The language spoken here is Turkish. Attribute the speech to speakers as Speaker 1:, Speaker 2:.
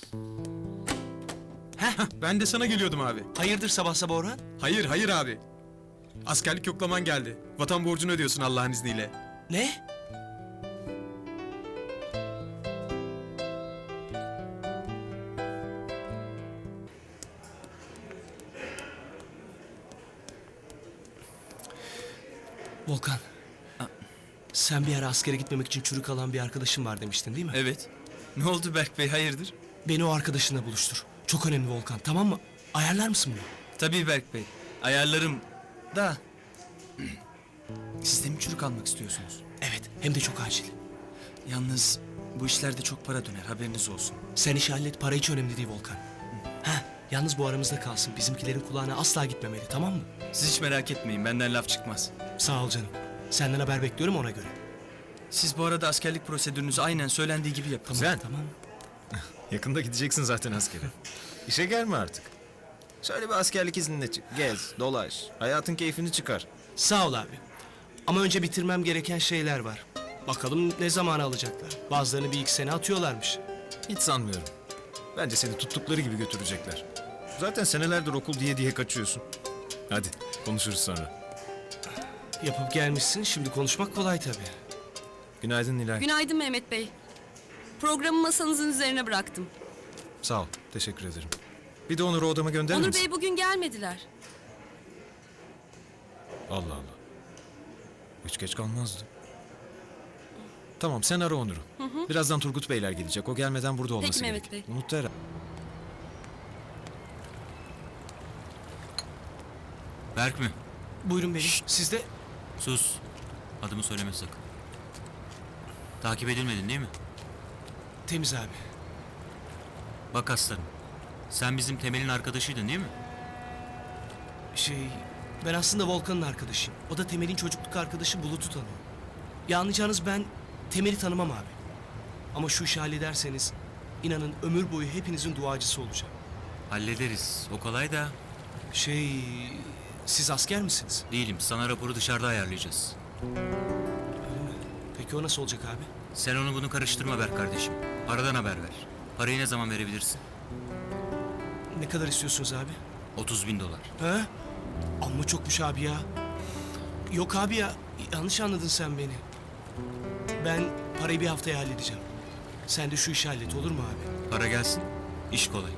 Speaker 1: Ben de sana geliyordum abi.
Speaker 2: Hayırdır sabah sabah Orhan?
Speaker 1: Hayır abi. Askerlik yoklaman geldi. Vatan borcunu ödüyorsun Allah'ın izniyle.
Speaker 2: Ne? Volkan. Sen bir ara askere gitmemek için çürük alan bir arkadaşın var demiştin değil mi?
Speaker 3: Evet. Ne oldu Berk Bey, hayırdır?
Speaker 2: Beni o arkadaşınla buluştur. Çok önemli Volkan, tamam mı? Ayarlar mısın bunu?
Speaker 3: Tabii Berk Bey. Ayarlarım da... Siz de mi çürük almak istiyorsunuz?
Speaker 2: Evet, hem de çok acil.
Speaker 3: Yalnız bu işlerde çok para döner, haberiniz olsun.
Speaker 2: Sen işi hallet, para hiç önemli değil Volkan. Yalnız bu aramızda kalsın. Bizimkilerin kulağına asla gitmemeli, tamam mı?
Speaker 3: Siz hiç merak etmeyin, benden laf çıkmaz.
Speaker 2: Sağ ol canım. Senden haber bekliyorum ona göre.
Speaker 3: Siz bu arada askerlik prosedürünüzü aynen söylendiği gibi yapın.
Speaker 1: Güzel.
Speaker 2: Tamam.
Speaker 1: Yakında gideceksin zaten askere. İşe gelme artık. Şöyle bir askerlik iznine çık. Gez, dolaş. Hayatın keyfini çıkar.
Speaker 2: Sağ ol abi. Ama önce bitirmem gereken şeyler var. Bakalım ne zaman alacaklar. Bazılarını bir iki sene atıyorlarmış.
Speaker 1: Hiç sanmıyorum. Bence seni tuttukları gibi götürecekler. Zaten senelerdir okul diye kaçıyorsun. Hadi konuşuruz sonra.
Speaker 2: Yapıp gelmişsin, şimdi konuşmak kolay tabii.
Speaker 1: Günaydın Nilay.
Speaker 4: Günaydın Mehmet Bey. Programı masanızın üzerine bıraktım.
Speaker 1: Sağ ol. Teşekkür ederim. Bir de Onur'u odama gönderir
Speaker 4: Onur
Speaker 1: misin?
Speaker 4: Bey bugün gelmediler.
Speaker 1: Allah Allah. Hiç geç kalmazdı. Tamam sen ara Onur'u. Birazdan Turgut Beyler gelecek. O gelmeden burada olması
Speaker 4: Mehmet
Speaker 1: gerek.
Speaker 4: Bey.
Speaker 1: Unut herhalde.
Speaker 5: Berk mi?
Speaker 2: Buyurun beyim, siz de...
Speaker 5: Sus. Adımı söyleme sakın. Takip edilmedin değil mi?
Speaker 2: Temiz abi.
Speaker 5: Bak aslanım. Sen bizim Temel'in arkadaşıydın değil mi?
Speaker 2: Ben aslında Volkan'ın arkadaşıyım. O da Temel'in çocukluk arkadaşı Bulut'u tanıyor. Ya anlayacağınız ben Temel'i tanımam abi. Ama şu işi hallederseniz inanın ömür boyu hepinizin duacısı olacağım.
Speaker 5: Hallederiz. O kolay da
Speaker 2: Siz asker misiniz?
Speaker 5: değilim. Sana raporu dışarıda ayarlayacağız.
Speaker 2: Öyle mi? Peki o nasıl olacak abi?
Speaker 5: Sen onu bunu karıştırma Berk kardeşim. Paradan haber ver. Parayı ne zaman verebilirsin?
Speaker 2: Ne kadar istiyorsunuz abi?
Speaker 5: 30.000 dolar.
Speaker 2: He? Amma çokmuş abi ya. Yok abi ya, yanlış anladın sen beni. Ben parayı bir haftaya halledeceğim. Sen de şu işi hallet, olur mu abi?
Speaker 5: Para gelsin. İş kolay.